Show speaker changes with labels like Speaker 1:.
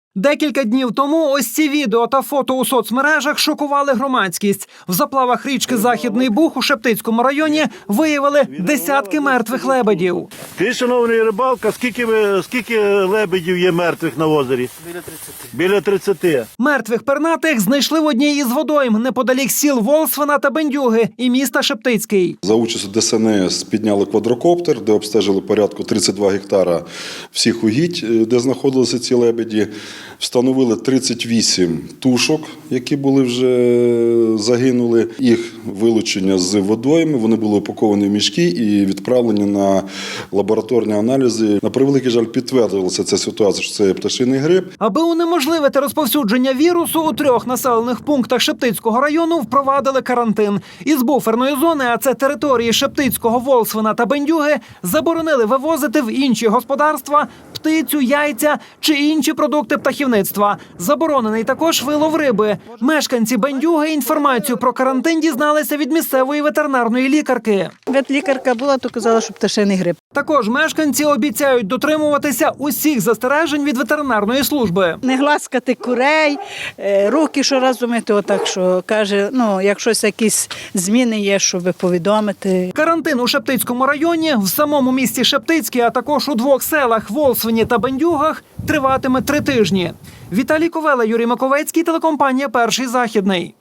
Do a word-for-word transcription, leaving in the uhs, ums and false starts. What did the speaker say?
Speaker 1: Декілька днів тому ось ці відео та фото у соцмережах шокували громадськість. В заплавах річки Західний Буг у Шептицькому районі виявили десятки мертвих лебедів.
Speaker 2: Ти, шановний рибалка, скільки, ви, скільки лебедів є мертвих на озері?
Speaker 3: Біля тридцяти.
Speaker 2: Біля тридцяти.
Speaker 1: Мертвих пернатих знайшли в одній із водойм неподалік сіл Волсвина та Бендюги і міста Шептицький.
Speaker 4: За участю Де Ес Ен Ес підняли квадрокоптер, де обстежили порядку тридцять два гектара всіх угідь, де знаходилися ці лебеді. Встановили тридцять вісім тушок, які були вже загинули. Їх вилучення з водойми, вони були упаковані в мішки і відправлені на лабораторні аналізи. На превеликий жаль, підтвердилася ця ситуація, що це пташиний грип.
Speaker 1: Аби унеможливити розповсюдження вірусу, у трьох населених пунктах Шептицького району впровадили карантин. Із буферної зони, а це території Шептицького, Волсвина та Бендюги, заборонили вивозити в інші господарства птицю, яйця чи інші продукти птахівництва. Заборонений також вилов риби. Мешканці Бендюги інформацію про карантин дізналися від місцевої ветеринарної лікарки.
Speaker 5: Ветлікарка була, то казала, що пташиний грип.
Speaker 1: Також мешканці обіцяють дотримуватися усіх застережень від ветеринарної служби.
Speaker 5: Не гласкати курей, руки щоразу мити, отак, що каже, ну, якщо якісь зміни є, щоб повідомити.
Speaker 1: Карантин у Шептицькому районі, в самому місті Шептицький, а також у двох селах Волсвині та Бендюгах триватиме три тижні. Віталій Ковела, Юрій Маковецький, телекомпанія «Перший Західний».